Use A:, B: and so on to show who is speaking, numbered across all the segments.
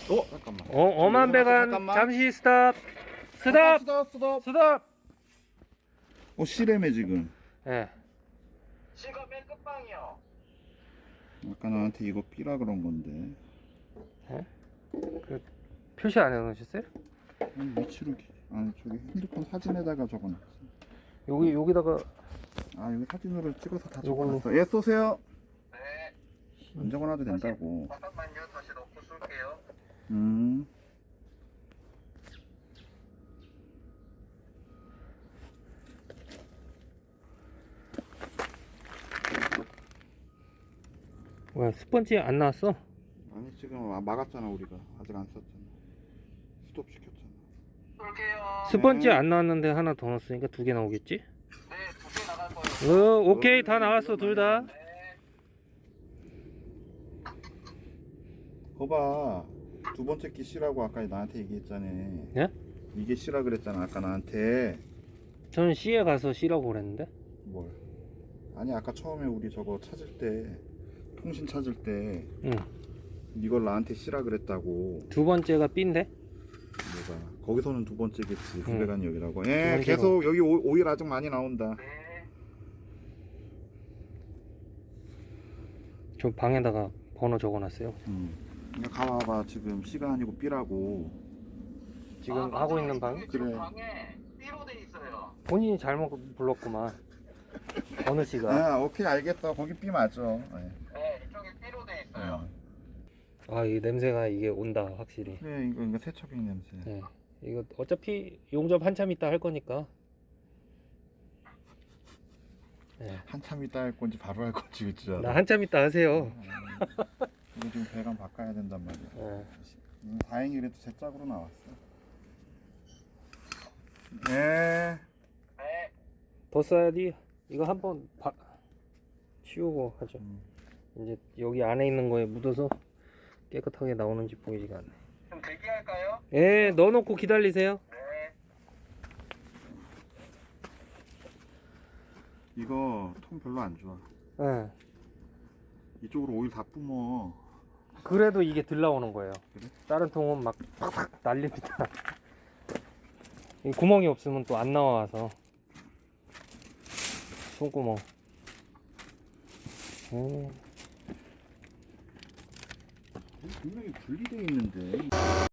A: 잠깐만.
B: 엄한 배관
A: 잠깐만.
B: 잠시 스탑. 스탑.
A: 스톱.
B: 스탑.
A: 실애매 지금.
B: 예.
C: 지금 맨 끝방이요.
A: 아까 나한테 이거 삐라 그런 건데.
B: 그 표시 안 해놓으셨어요?
A: 위치로 저기 핸드폰 사진에다가 적어놨어.
B: 여기다가
A: 여기 사진으로 찍어서 다
B: 요걸로.
A: 적어놨어. 예, 쏘세요.
C: 네.
A: 안 적어놔도 된다고.
C: 잠깐만요. 다시 넣고 쏠게요.
B: 왜 스펀지 안 나왔어?
A: 아니 지금 막았잖아 우리가. 아직 안 썼잖아. 스톱 시켰잖아.
C: 쏠게요.
B: 스펀지 안 나왔는데 하나 더 넣었으니까 2개 나오겠지?
C: 네, 2개 나갈 거예요.
B: 오케이 다 나왔어 둘 다.
C: 네.
A: 거봐. 두 번째 끼 C라고 아까 나한테 얘기했잖아.
B: 예?
A: 이게 C라 그랬잖아 아까 나한테.
B: 저는 C에 가서 C라고 그랬는데.
A: 뭘? 아니 아까 처음에 우리 저거 찾을 때 통신 찾을 때
B: 응.
A: 이걸 나한테 C라 그랬다고.
B: 두 번째가 B인데.
A: 뭐가 거기서는 두 번째겠지. 두
B: 응.
A: 배관이 여기라고.
B: 두
A: 예,
B: 번째가.
A: 계속 여기 오일 아직 많이 나온다.
C: 네.
B: 저 방에다가 번호 적어놨어요.
A: 가봐봐. 지금 C가 아니고 B라고.
B: 지금
C: 맞아요.
B: 하고 있는 방.
C: 이쪽에 지금
A: 그래.
C: 방에 B로 돼 있어요.
B: 본인이 잘못 불렀구만. 어느 씨가.
A: 오케이 알겠어. 거기 B 맞아. 예.
C: 네, 이쪽에 B로 돼 있어요.
B: 이 냄새가 이게 온다 확실히.
A: 그래 이거 세척인 냄새.
B: 네. 이거 어차피 용접 한참 있다 할 거니까. 네.
A: 한참 있다 할 건지 바로 할 건지 그치?
B: 나 한참 있다 하세요.
A: 이거 지금 배관 바꿔야 된단 말이야.
B: 네.
A: 다행히 그래도 제 짝으로 나왔어. 네.
C: 네.
B: 더 써야지. 이거 한번 치우고 하죠. 이제 여기 안에 있는 거에 묻어서 깨끗하게 나오는지 보이지가 않네.
C: 좀 대기할까요?
B: 예, 넣어놓고 기다리세요.
C: 네.
A: 이거 통 별로 안 좋아.
B: 예.
A: 이쪽으로 오일 다 뿜어.
B: 그래도 이게 들 나오는 거예요.
A: 그래?
B: 다른 통은 막 팍팍 날립니다. 이 구멍이 없으면 또 안 나와서. 손구멍.
A: 분명히 분리돼 있는데.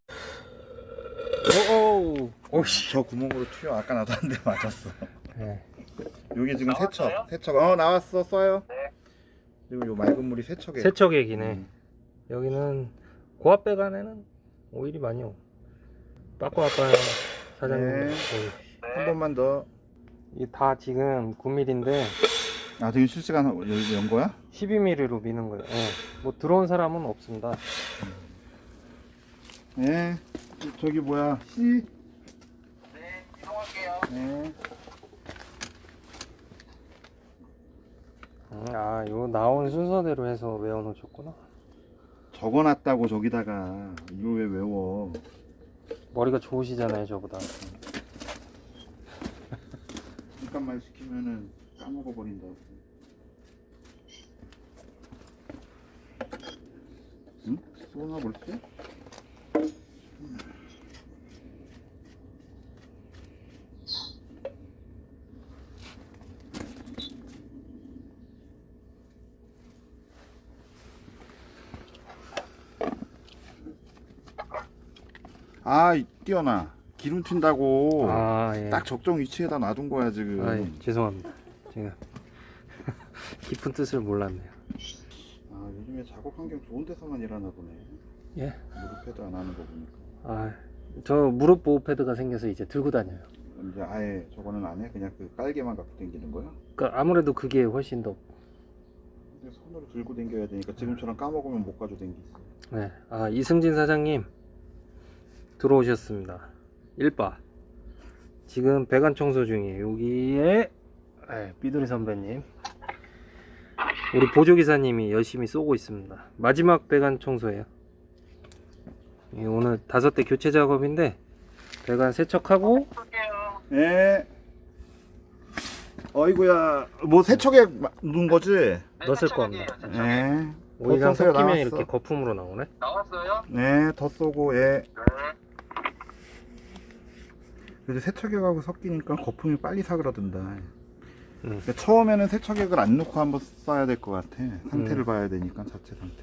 B: 오씨.
A: 저 구멍으로 튀어. 아까 나도 한 대 맞았어.
B: 네.
A: 여기 지금
C: 나왔어요?
A: 세척. 나왔어. 써요.
C: 네.
A: 그리고 요 맑은 물이 세척에.
B: 세척액이네. 여기는 고압 배관에는 오일이 많이 오. 빠꾸 아빠 사장님.
A: 네. 한 번만 더.
B: 이게 다 지금 9mm인데
A: 지금 실시간 여기 연 거야?
B: 12mm로 미는 거예요. 예. 뭐 들어온 사람은 없습니다.
A: 네. 저기 뭐야? C.
C: 네, 이동할게요.
A: 네.
B: 요 나온 순서대로 해서 외워놓으셨구나.
A: 적어놨다고 저기다가. 이걸 왜 외워?
B: 머리가 좋으시잖아요, 저보다.
A: 잠깐만 시키면은 까먹어 버린다고. 응? 쏘나 볼지? 뛰어나. 기름 튄다고.
B: 예.
A: 딱 적정 위치에다 놔둔 거야 지금.
B: 예, 죄송합니다. 제가 깊은 뜻을 몰랐네요.
A: 요즘에 작업 환경 좋은 데서만 일하나 보네.
B: 예.
A: 무릎 패드 안 하는 거 보니까.
B: 저 무릎 보호 패드가 생겨서 이제 들고 다녀요.
A: 이제 아예 저거는 안 해? 그냥 그 깔개만 갖고 다니는 거야?
B: 그러니까 아무래도 그게 훨씬 더.
A: 근데 손으로 들고 다녀야 되니까 지금처럼 까먹으면 못 가지고 다니지.
B: 네. 이승진 사장님 들어오셨습니다. 1바. 지금 배관 청소 중이에요. 여기에 삐돌이 선배님, 우리 보조기사님이 열심히 쏘고 있습니다. 마지막 배관 청소예요. 오늘 5대 교체 작업인데 배관 세척하고.
C: 쏠게요.
A: 네. 어이구야. 뭐 세척에 넣은 거지?
B: 넣었을 겁니다.
A: 네.
B: 오일이랑
A: 써서요,
B: 섞이면
A: 나왔어.
B: 이렇게 거품으로 나오네.
C: 나왔어요?
A: 네, 더 쏘고 예.
C: 네.
A: 그래도 세척액하고 섞이니까 거품이 빨리 사그라든다.
B: 음.
A: 근데 처음에는 세척액을 안 넣고 한번 써야 될 것 같아. 상태를
B: 음.
A: 봐야 되니까 자체 상태.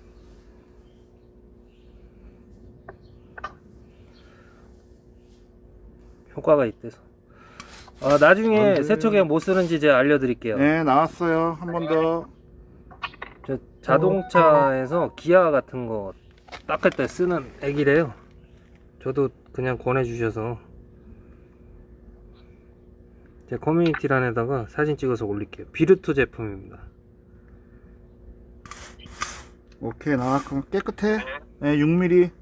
B: 효과가 있대서. 나중에
A: 안 돼.
B: 세척액 뭐 쓰는지 제가 알려드릴게요.
A: 네, 나왔어요. 한 번 더.
B: 저 자동차에서 기아 같은 거 닦을 때 쓰는 액이래요. 저도 그냥 권해주셔서 제 커뮤니티란에다가 사진 찍어서 올릴게요. 비르투 제품입니다.
A: 오케이, 나왔고 깨끗해. 네, 6mm.
C: 네.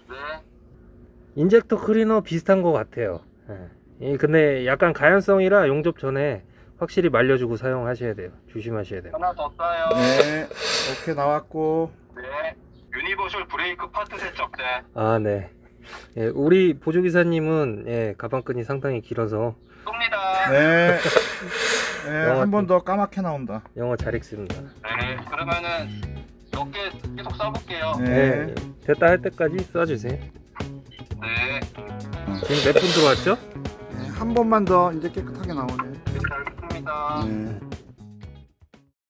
B: 인젝터 클리너 비슷한 것 같아요. 근데 약간 가연성이라 용접 전에 확실히 말려주고 사용하셔야 돼요. 조심하셔야 돼요.
C: 하나 더 써요.
A: 네, 오케이 나왔고.
C: 네. 유니버셜 브레이크 파트 세척제.
B: 네. 우리 보조기사님은 가방끈이 상당히 길어서
C: 쏩니다.
A: 네, 네,
B: 영화
A: 한 번 더 까맣게 나온다.
B: 영어 잘 읽습니다.
C: 네. 그러면은 몇 개 계속 써볼게요.
A: 네,
B: 됐다 할 때까지 써주세요.
C: 네.
B: 지금 몇 분 들어왔죠?
A: 네, 한 번만 더 이제 깨끗하게 나오네.
C: 잘 듣습니다.
A: 네.